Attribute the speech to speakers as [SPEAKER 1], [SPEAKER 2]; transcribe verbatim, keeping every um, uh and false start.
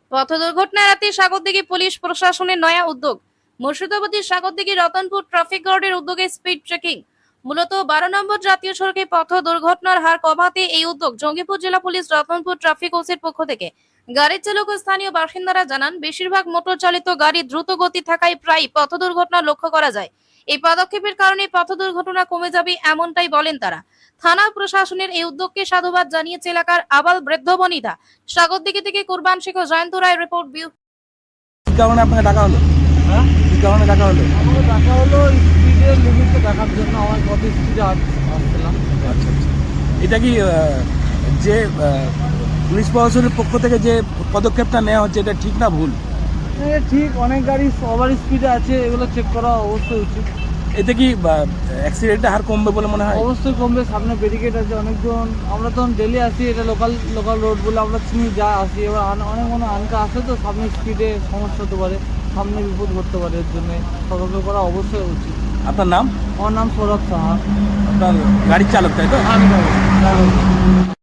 [SPEAKER 1] পথ দুর্ঘটনা এড়াতে সাগরদিঘি পুলিশ প্রশাসনের নয়া উদ্যোগ। মুর্শিদাবাদের সাগরদিঘি রতনপুর ট্রাফিক গার্ডের উদ্যোগে স্পিড চেকিং। মূলত বারো নম্বর জাতীয় সড়কে পথ দুর্ঘটনার হার কমাতে এই উদ্যোগ। জঙ্গিপুর জেলা পুলিশ রতনপুর ট্রাফিক ওসির পক্ষ থেকে। গাড়ির চালক ও স্থানীয় বাসিন্দারা জানান, বেশিরভাগ মোটর চালিত গাড়ি দ্রুত গতি থাকায় প্রায় পথ দুর্ঘটনা লক্ষ্য করা যায়। এই পদক্ষেপের কারণে পথ দুর্ঘটনা কমে যাবে, এমনটাই বলেন তারা। থানা প্রশাসনের এই উদ্যোগকে সাধুবাদ জানিয়েছে এলাকার আবাল বৃদ্ধ বনিতা। সাগরদিঘি থেকে কুরবান শেখ ও জয়ন্ত রায় রিপোর্ট। বিউ
[SPEAKER 2] কি কারণে আপনাকে ডাকা হলো?
[SPEAKER 3] হ্যাঁ,
[SPEAKER 2] কি কারণে ডাকা হলো?
[SPEAKER 3] আমাকে দেখা হলো স্পিডের লিমিটটা দেখার জন্য। আমার কত স্পিডে আসছিলাম।
[SPEAKER 2] আচ্ছা আচ্ছা, এটা কি আহ, যে আহ, পুলিশ প্রশাসনের পক্ষ থেকে যে পদক্ষেপটা নেওয়া হচ্ছে এটা ঠিক না ভুল?
[SPEAKER 3] এটা ঠিক, অনেক গাড়ি ওভার স্পিডে আছে, এগুলো চেক করা অবশ্যই উচিত।
[SPEAKER 2] এতে কি অ্যাক্সিডেন্টের হার কমবে বলে মনে হয়?
[SPEAKER 3] অবশ্যই কমবে, সামনে ব্যারিকেড আছে অনেকজন। আমরা তখন ডেলি আসি, এটা লোকাল লোকাল রোড বলে আমরা চিনি, যা আসি। এবার আন- অনেক মনে আনকা আসে, তো সামনে স্পিডে সমস্যা হতে পারে, সামনে বিপদ ঘটতে পারে। এর জন্য সতর্ক করা অবশ্যই উচিত।
[SPEAKER 2] আপনার নাম?
[SPEAKER 3] আমার নাম সৌরভ সাহা।
[SPEAKER 2] আপনার গাড়ির চালক, তাই তো?
[SPEAKER 3] আমি